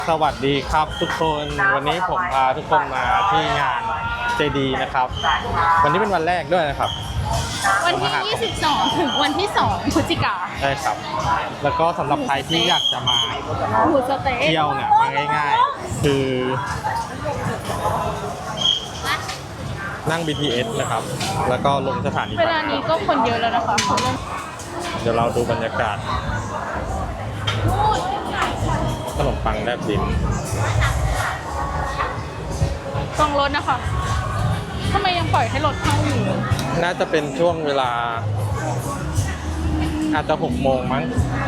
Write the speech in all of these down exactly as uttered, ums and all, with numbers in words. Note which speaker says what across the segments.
Speaker 1: สวัสดีครับทุกคนวันนี้ผมพาทุกคนมาที่งานเจดีนะครับวันนี้เป็นวันแรกด้วยนะครับ
Speaker 2: วันที่ยี่สิบสองถึงวันที่สองพฤศจิกา
Speaker 1: ใช่ครับแล้วก็สำหรับใครที่อยากจะมา
Speaker 2: หมูสเต๊ะ
Speaker 1: เที่ยวเนี่ยมาง่ายๆคือนั่ง บี ที เอส นะครับแล้วก็ลงสถานี
Speaker 2: เวลานี้ก็คนเยอะแล้วนะคะเขาเริ่ม
Speaker 1: เดี๋ยวเราดูบรรยากาศขนมปังแลบดิน
Speaker 2: ต้องรถนะคะทำไมยังปล่อยให้รถเข้าอยู่
Speaker 1: น่าจะเป็นช่วงเวลาอาจจะหกโมงมั้ง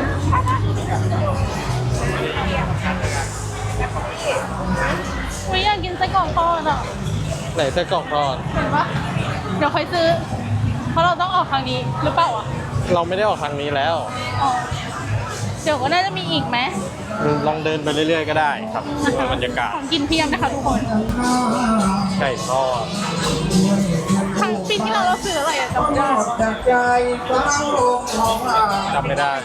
Speaker 2: ไม่อยากกินไส้กรอกทอดอ่ะ
Speaker 1: ไหนไส้กรอกทอด
Speaker 2: เห็นปะเดี๋ยวค่อยซื้อเพราะเราต้องออกทางนี้หรือเปล่าอ่ะ
Speaker 1: เราไม่ได้ออกทางนี้แล้ว
Speaker 2: อ๋อเดี๋ยวก็น่าจะมีอีกไหม
Speaker 1: ลองเดินไปเรื่อยๆก็ได้ครับดูบรรยากาศ
Speaker 2: ของกินเพียงนะคะทุกคน
Speaker 1: ไก่ทอด
Speaker 2: ครั้งปีที่เราเราซื้ออะไรอะจำไม่ได้
Speaker 1: จำไม่ได้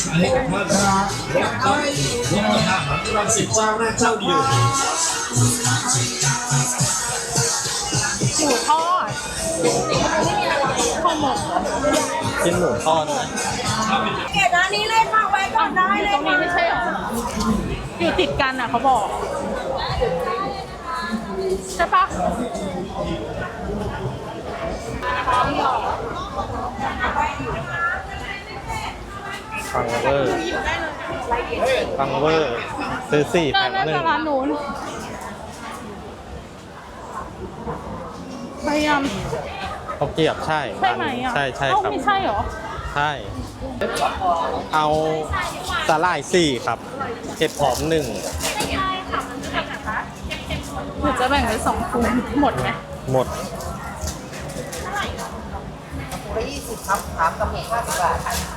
Speaker 2: หมูทอดข้าวหมก
Speaker 1: กินหมูทอดไหม
Speaker 3: เกตร้านนี้เลยค่ะไว้ก่อนได้เลย
Speaker 2: ตรงนี้ไม่ใช่หรออยู่ติดกันอ่ะเขาบอกใช่ปะ
Speaker 1: ฟังเวอร์ฟังเวอร์ซื้อสี่แถมหนึ่ง
Speaker 2: ร้านนู้นพยายาม
Speaker 1: เขาเกียบใช่
Speaker 2: ใช่ไหมอ่ะ
Speaker 1: ใช่ใช่ครับ
Speaker 2: ไม่ใช่หรอ
Speaker 1: ใช่เอาสาหร่ายสี่ครับเห็ดหอมหนึ่ง
Speaker 2: หรือจะแบ่งเป็นสองคูหมดไหม
Speaker 1: หมด
Speaker 3: คูละยี่สิบครับถามกับหมูห้าสิบบาท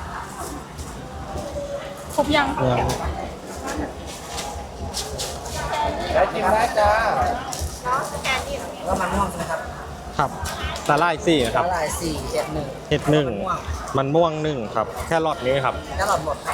Speaker 2: ครบยัง
Speaker 3: ได้จริงได้จ้าแล้วมันม่วงใช่ไหมครับ
Speaker 1: ครับสาหร่ายสี่ครับ
Speaker 3: สาหร่ายสี่เห็ดหนึ่ง
Speaker 1: เห็ดหนึ่งมันม่วงหนึ่งครับแค่รอดนี้ครับ
Speaker 3: แค่หลอดหมด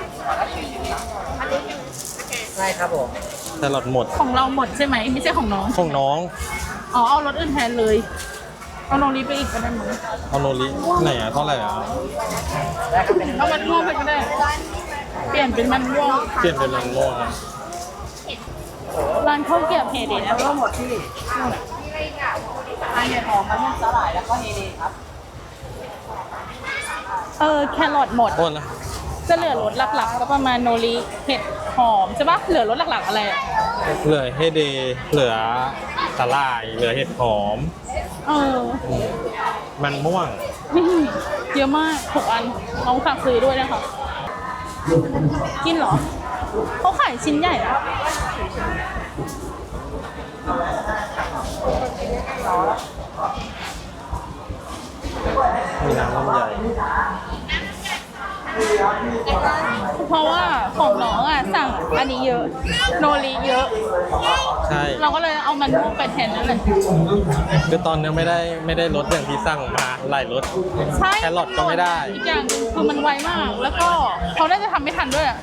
Speaker 3: ใช่ครับผม
Speaker 1: แค่รอดหมด
Speaker 2: ของเราหมดใช่ไหมไม่ใช่ของน้อง
Speaker 1: ของน้อง
Speaker 2: อ๋อเอารถอื่นแทนเลยเอาโนริไปอีกก็ได้มั้ง
Speaker 1: เอาโนริไหนอ่ะเท่าไหร่อ่ะ
Speaker 2: เอามันม่วงไปก็ได้เปลี่ยนเป็นมันม่วง
Speaker 1: เปลี่ยนเป็นมันม่วง
Speaker 2: ร้านข้าวเกรี๊ยวเฮเดนะ
Speaker 3: ก็หมดที่อันเห็ดหอมมันม่วงสาหร่ายแล้วก็เฮเดครับ
Speaker 2: เออแครอทหมด
Speaker 1: โอนนะ
Speaker 2: จะเหลือรสหลักๆก็ประมาณโนริเห็ดหอมใช่ปะเหลือรสหลักๆอะไร
Speaker 1: เหลือเฮเดเหลือสาหร่ายเหลือเห็ดหอม
Speaker 2: เออ
Speaker 1: มันม่วง
Speaker 2: เยอะมากหกอันน้องฝากซื้อด้วยนะคะกินเหรอเขาขายชิ้นใหญ่อะ
Speaker 1: มีน้ำลำไย
Speaker 2: เพราะว่าของน้องอ่ะสั่งอันนี้เยอะโนริเยอะ
Speaker 1: ใช่
Speaker 2: เราก็เลยเอามันม่วงไปแทนนั่นแหละ
Speaker 1: คือตอนนี้ไม่ได้ไม่ได้รสอย่างที่สั่งมาหลายรส
Speaker 2: ใช่
Speaker 1: แครอทก็ไม่ได้
Speaker 2: อีกอย่างคือมันไวมากแล้วก็เขาน่าจะทำไม่ทันด้วยอ่ะ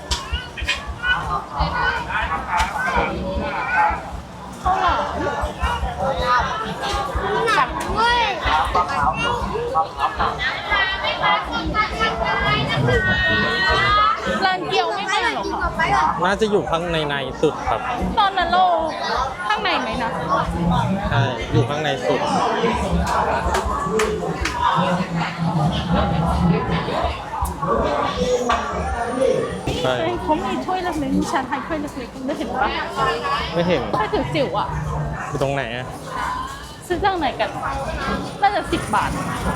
Speaker 2: ข้าวหลามจับด้วยร้านเกี๊ยวไม่มาหรอคะ
Speaker 1: น่าจะอยู่ข้างในในสุดครับ
Speaker 2: ตอนนั้นเราข้างในไหมนะ
Speaker 1: ใช่อยู่ข้างในสุดใช่
Speaker 2: เขามีถ้วยเล็กๆมีชาไทยถ้วยเล็กๆไม่เห็นปะ
Speaker 1: ไม่เห็น
Speaker 2: ถ้วยจิ๋วๆอ่ะ
Speaker 1: อยู่ตรงไหนอ่ะ
Speaker 2: ซื้อจากไหนกันน่าจะสิบบาท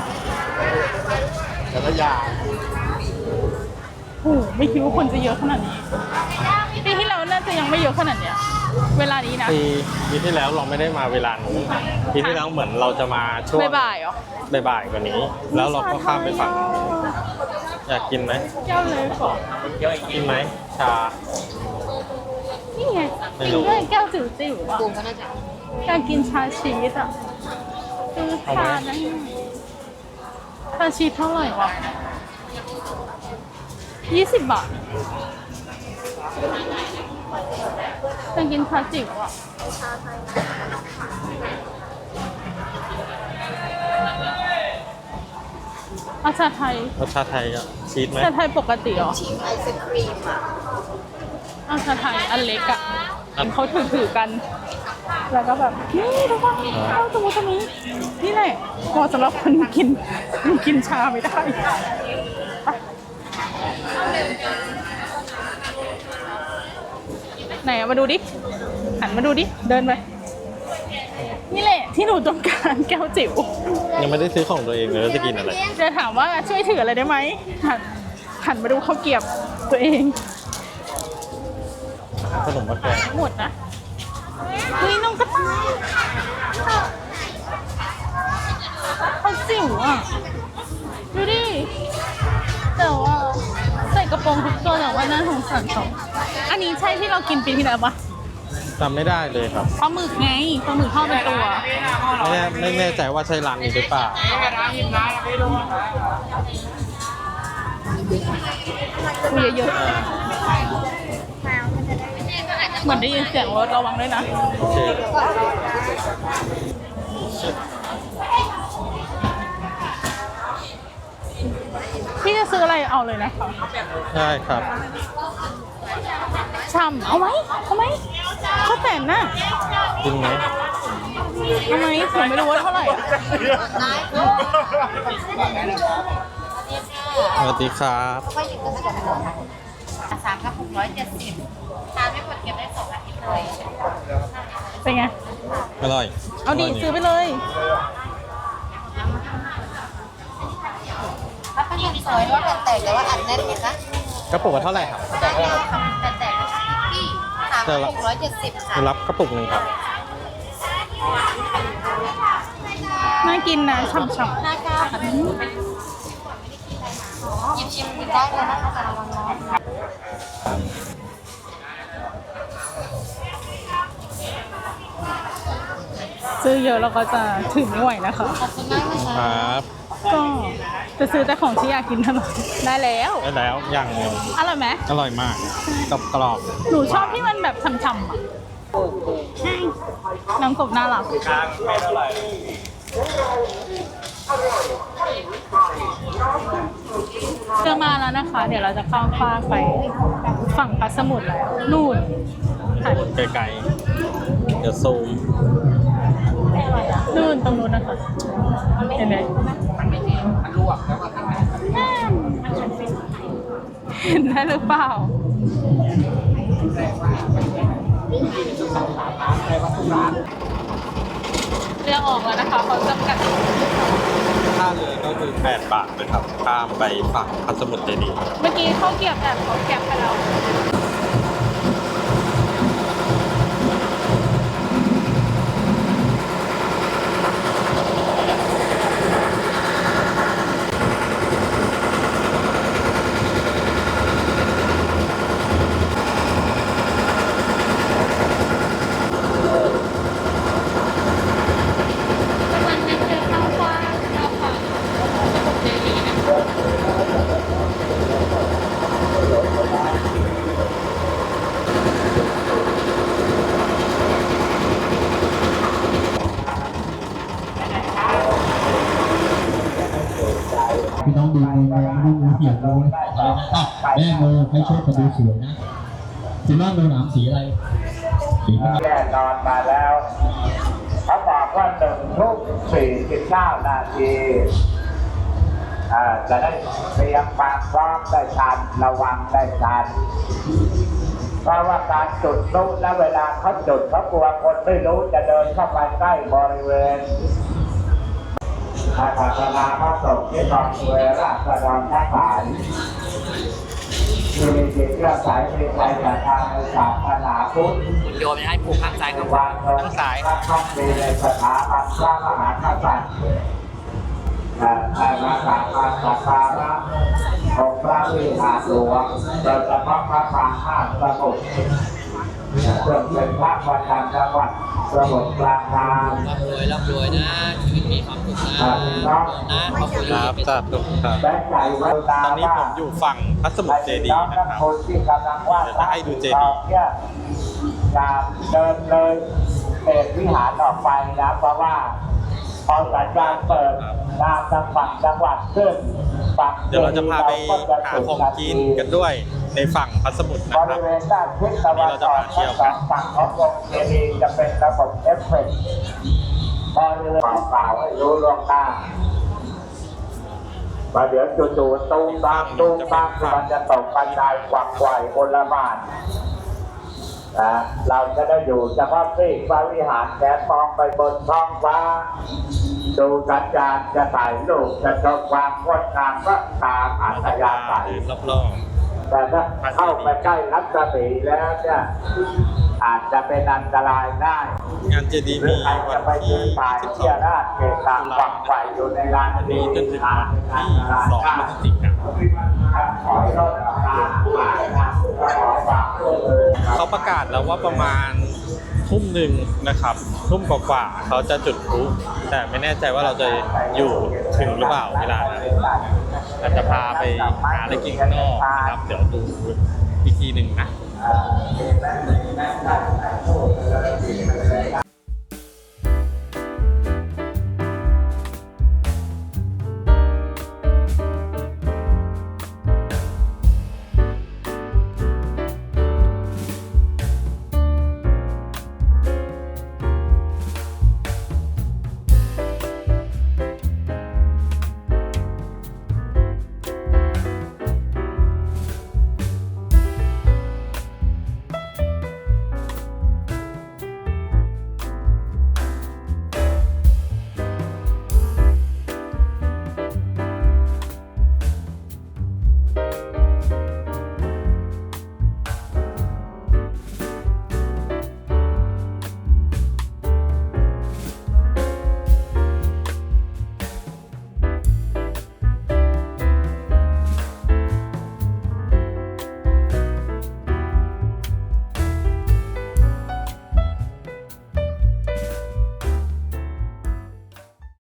Speaker 1: แล้วก็ยา
Speaker 2: โอ้ไม่คิดว่าคนจะเยอะขนาดนี้ปีที่แล้วน่าจะยังไม่เยอะขนาดเนี้ยเวลานี้นะ
Speaker 1: ปีปีที่แล้วเราไม่ได้มาเวลานี้ปีที่แล้วเหมือนเราจะมาช่วง
Speaker 2: บ่ายๆเหรอ
Speaker 1: บ่ายๆกว่านี้แล้วเราก็ข้ามไปฝั่งอยากกินไหม
Speaker 2: แก้วเลยก่อน
Speaker 1: กินไหมชา
Speaker 2: นี่ไงกินด้วยแก้วจิ๋วๆอ่ะอยากกินชาชีสอ่ะซื้อชาได้ชาชีสเท่าไหร่วะยี่สิบบาทอยากกินชาจิ๋วอ่ะเอาชาไทย
Speaker 1: รสชาไทยอะชีสไหม
Speaker 2: ชาไทยปกติเหรอ
Speaker 3: ชิมไอศครีมอ่ะ
Speaker 2: เอาชาไทยอันเล็กอ่ะเขาถือถือๆกัน แล้วก็แบบนี่ทุกคนเอาตรงนี้ตรงนี้นี่แหละเหมาะสำหรับคนกินกินชาไม่ได้ไปไหนอะมาดูดิหันมาดูดิเดินไปนี่แหละที่หนูต้องการแก้วจิ๋ว
Speaker 1: ยังไม่ได้ซื้อของตัวเองเลยว่าจะกินอะไร
Speaker 2: จะถามว่าช่วยถืออะไรได้ไหมหันหันมาดูข้าวเกรียบตัวเอง
Speaker 1: ขนมมะแกง
Speaker 2: หมดนะเฮ้ยน้องกระต่ายเขาจิ๋วอ่ะ ดูดิ แต่ว่าใส่กระโปรงทุกตัวแต่ว่าน่าสงสารเขาอันนี้ใช่ที่เรากินปีที่แล้วปะ
Speaker 1: จำไม่ได้เลยครับ
Speaker 2: ปลาหมึกไงปลาหมึกทอดเป็นตัว
Speaker 1: ไม่แน่ไม่แน่ใจว่าใช่ร้านนี้หรือเปล่า
Speaker 2: คุยเยอะๆเหมือนได้ยินเสียงรถระวังด้วยนะ
Speaker 1: โอเค
Speaker 2: พี่จะซื้ออะไรเอาเลยนะคะ
Speaker 1: ได้ครับ
Speaker 2: ช่ำเอาไหมเอาไหมข้าวแต่นน่ะ
Speaker 1: กินไหม
Speaker 2: เอาไหมผมไม่รู้ว่าเท่าไหร่อะ
Speaker 1: สวัสดีครับ
Speaker 3: ก็หยิบกันตั้งแต่สามกระปุกร้อยเจ็ดสิบทานไม่หมดเก็บได้สองอาทิตย์เลย
Speaker 2: เป็นไง
Speaker 1: อร่อย
Speaker 2: เอาดิ
Speaker 1: ร่ย
Speaker 2: ซื้อไปเลย
Speaker 3: ถ้าเป็นเงินสวยว่าแตกแต่ว่าอัดแน่นไหมคะ
Speaker 1: กระปุกละเท่าไหร่ครับ
Speaker 3: แตกแต่แตกพี่สามกระปุกร้อยเจ็ดสิบค่ะ
Speaker 1: รับกระปุกหนึ่งครับ
Speaker 2: น่ากินนะฉ่ำ
Speaker 3: ห้าเก้าค่ะหยิบชิมได้เลยนะคะแต่ระวังร้อน
Speaker 2: ๆซื้อเยอะแล้วก็จะถึงไม่ไหวนะคะ
Speaker 3: ขอบคุณมากนะ
Speaker 1: ค
Speaker 3: คะ
Speaker 1: รับ
Speaker 2: ก็จะซื้อแต่ของที่อยากกินเท่านั้นได้แล้ว
Speaker 1: ได้แล้วอย่างหนึง
Speaker 2: อร่อยไหม
Speaker 1: อร่อยมากกรอบกรอบ
Speaker 2: หนูชอบที่มันแบบฉ่ำๆอ่ะใช่น้ำกบน่ารักเจอมาแล้วนะคะ เดี๋ยวเราจะข้ามฟากไปฝั่งพัสมุทรแล้วนู่นค่ะ
Speaker 1: ไกลๆเดี๋ยวซูม
Speaker 2: นู่นตรงนู้นนะคะเห็นไหมเห็นได้หรือเปล่าเรือออกแล้วนะคะเขาจำกัด
Speaker 1: ค่าเรือก็คือแปดบาทนะครับข้ามไปฝั่งพัสมุทรเจดีย์
Speaker 2: เมื่อกี้เขาเก็บแบบเขาแก็บไปแล้ว
Speaker 4: พี่น้องดูมือมือดูมือเปียกดูเลยอ่ะแม่มือให้โชคกันดูสวยนะสีน้องดูหนามสีอะไรสีน้ำ
Speaker 5: แน่นอนมาแล้วเขาบอกว่าหนึ่งทุ่มสี่สิบเก้านาทีอ่าจะได้เตรียมความพร้อมได้ทันระวังได้ทันเพราะว่าการจุดพลุและเวลาเขาจุดเขากลัวคนไม่รู้จะเดินเข้าไปใกล้บริเวณอาศาสนาพระสงฆ์ที่กองเวราษฎรทั้งหลายที่มีจิตเลื่อมใสมีใจศรัทธาในศาสนาพุทธ
Speaker 6: โยมจะให้ผูกข้างซ้ายกับ
Speaker 5: วางลง
Speaker 6: ข้างซ้าย
Speaker 5: ต้องมีในสถาบันพระมหากษัตริย์อาณาจักรอาณาการะองค์พระวิหารหลวงโดยเฉพาะพระปางห้าสมุทรเพื่อเป็นพระประจำจังหวัดสมุทรปราการ
Speaker 6: ร่ำรวยร่ำรวยนะ ชีวิตมีความสุขนะนะขอบคุณ
Speaker 1: ครับสาธุครับ
Speaker 5: และใจไว้ตา
Speaker 1: ตอนนี้ผมอยู่ฝั่งพระสมุทรเจดีย์นะครับ
Speaker 5: คนที่กำลังวาด
Speaker 1: เดี๋ยวจะให้ดูเจดีย์
Speaker 5: เนี่ยอย่าเดินเลยเปิดวิหารออกไปนะเพราะว่าพอสัญญาณเปิดงานทางฝั่งจังหวัดขึ้นฝั่ง
Speaker 1: เดี๋ยวเราจะพาไปหาของกินกันด้วยในฝั่งพระสมุทรนะ
Speaker 5: บ
Speaker 1: ครับ
Speaker 5: ริเวณด้านทิศตะวันออกทั้งสองฝั่งขององค์เจดีย์จะเป็นระบบเอฟเฟกต์บริเวณเปล่าๆให้รู้ล่วงหน้ามาเดี๋ยวจู่ๆตุ้มตามตุ้มตามมันจะตกบันไดกวักไกวโอลหม่านนะเราจะได้อยู่เฉพาะที่พระวิหารแขนมองไปบนท้องฟ้าดูสัญญาณจะถ่ายรูปจะชมความงดงามก็ตามอัธยาศัย
Speaker 1: รอบ
Speaker 5: แต่ถ้าเข้าไปใกล้รัศมีแล้วเนี่ยอาจจะเป็นอันตรายได้
Speaker 1: ๆงานเจดีย์
Speaker 5: หรื
Speaker 1: มี
Speaker 5: อใคร
Speaker 1: วั
Speaker 5: จะ
Speaker 1: น
Speaker 5: ไป
Speaker 1: ที่
Speaker 5: ยืนถ่าย
Speaker 1: สิบส
Speaker 5: เที่
Speaker 1: อย ง
Speaker 5: ราชเกตาวังไฟอยู่ในร้าน
Speaker 1: วัน
Speaker 5: นี้
Speaker 1: นี้จนถึงวันที่สองพฤศจิกายน
Speaker 5: ขอให้รถตามมานะขอฝากด้วยเลย
Speaker 1: เขาประกาศแล้วว่าประมาณทุ่มหนึ่งนะครับ ทุ่มกว่าๆเขาจะจุดพลุแต่ไม่แน่ใจว่าเราจะอยู่ถึงหรือเปล่าเวลานั้นอาจจะพาไปหาอะไรกินข้างนอกนะครับ เดี๋ยวดูอีกทีหนึ่งนะ
Speaker 5: อ่า